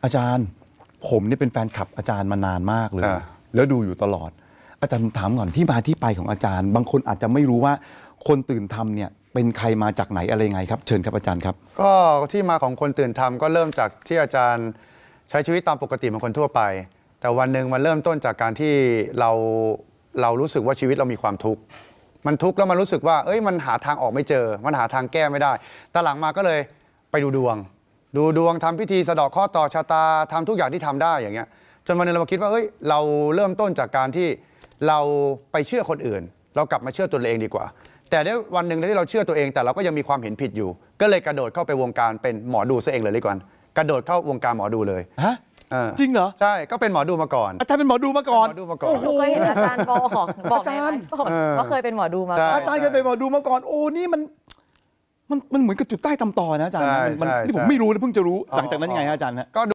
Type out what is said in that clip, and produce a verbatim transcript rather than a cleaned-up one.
อาจารย์ผมเนี่ยเป็นแฟนคลับอาจารย์มานานมากเลยแล้วดูอยู่ตลอดอาจารย์ถามก่อนที่มาที่ไปของอาจารย์บางคนอาจจะไม่รู้ว่าคนตื่นทำเนี่ยเป็นใครมาจากไหนอะไรไงครับเชิญครับอาจารย์ครับก็ที่มาของคนตื่นทำก็เริ่มจากที่อาจารย์ใช้ชีวิตตามปกติเหมือนคนทั่วไปแต่วันหนึ่งมันเริ่มต้นจากการที่เราเรารู้สึกว่าชีวิตเรามีความทุกข์มันทุกข์แล้วมันรู้สึกว่าเอ้ยมันหาทางออกไม่เจอมันหาทางแก้ไม่ได้แต่หลังมาก็เลยไปดูดวงดูดวงทำพิธีสะเดาะเคราะห์ต่อชะตาทำทุกอย่างที่ทำได้อย่างเงี้ยจนวันนึงเรามาคิดว่าเอ้ยเราเริ่มต้นจากการที่เราไปเชื่อคนอื่นเรากลับมาเชื่อตัวเองดีกว่าแต่ในวันหนึ่งที่เราเชื่อตัวเองแต่เราก็ยังมีความเห็นผิดอยู่ก็เลยกระโดดเข้าไปวงการเป็นหมอดูซะเองเลยดีกว่ากระโดดเข้าวงการหมอดูเลยฮะจริงเหรอใช่ก็เป็นหมอดูมาก่อนอาจารย์เป็นหมอดูมาก่อนหมอดูมาก่อนเคยเห็นอาจารย์บอกบอกอาจารย์ว่าเคยเป็นหมอดูมาก่อนอาจารย์เคยเป็นหมอดูมาก่อนโอ้นี่มันมันมันเหมือนกับจุดใต้ตำตอนะอาจารย์มันนี่ผมไม่รู้นะเพิ่งจะรู้หลังจากนั้นยังไงอาจารย์ฮะ